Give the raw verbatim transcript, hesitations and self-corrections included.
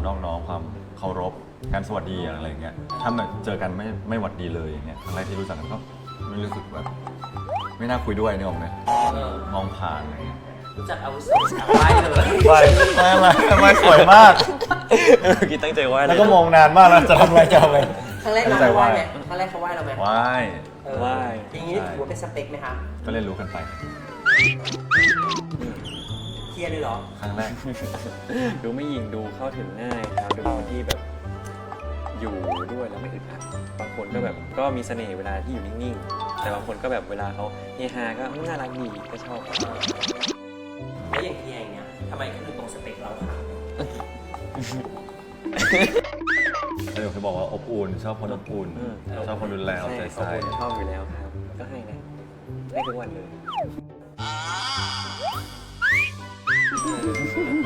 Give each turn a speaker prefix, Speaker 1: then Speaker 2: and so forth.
Speaker 1: นอบน้อมความเคารพการสวัสดีอะไรอย่างเงี้ยถ้าแบบเจอกันไม่ไม่หวัดดีเลยอย่างเงี้ยครั้งแรกที่รู้จักกันก็ไม่รู้สึกแบบไม่น่าคุยด้วยนึกออกไหม
Speaker 2: เออ
Speaker 1: มองผ่านอะไรเงี้ย
Speaker 2: รู้จักอาวุโสไหว้เลย
Speaker 1: ไหวไม่ไม่ไม่สวยมาก
Speaker 3: เออกินตั้งใจไหว้เลย
Speaker 1: แล้วก็มองนานมากแล้วจะทำอะไรจะทำอะไร
Speaker 2: ครั้งแรกเราไหว้ไหมครั้งแรกเขาไหว้เราไหม
Speaker 1: ไหว
Speaker 2: เออ
Speaker 3: ไหว้
Speaker 2: อย่างนี้ถือว่าเป็นสเปคไหมคะ
Speaker 1: ก็เรียนรู้กันไป
Speaker 2: เคลียร์เลยเหรอ
Speaker 1: ครั้งแรก
Speaker 3: ดูไม่ยิงดูเข้าถึงง่ายครับดูคนที่แบบอยู่ด้วยแล้วไม่อึดอัดบางคนก็แบบก็มีเสน่ห์เวลาที่อยู่นิ่งๆแต่บางคนก็แบบเวลาเขาเฮฮาก็น่ารักดีก็ชอบ
Speaker 2: แล้วอย่างเคลียร์อย่างเงี้ยทำไมเขาถึงตรงสเปคเราคะ
Speaker 1: เออเคยบอกว่าอบอุ่นชอบคนอบอุ่น
Speaker 3: อืม
Speaker 1: ชอบคนดูแลเอาใจ
Speaker 3: ใช่
Speaker 1: ใส่
Speaker 3: ชอบอยู่แล้วครับ ก็ให้นะให้ทุกวันเลย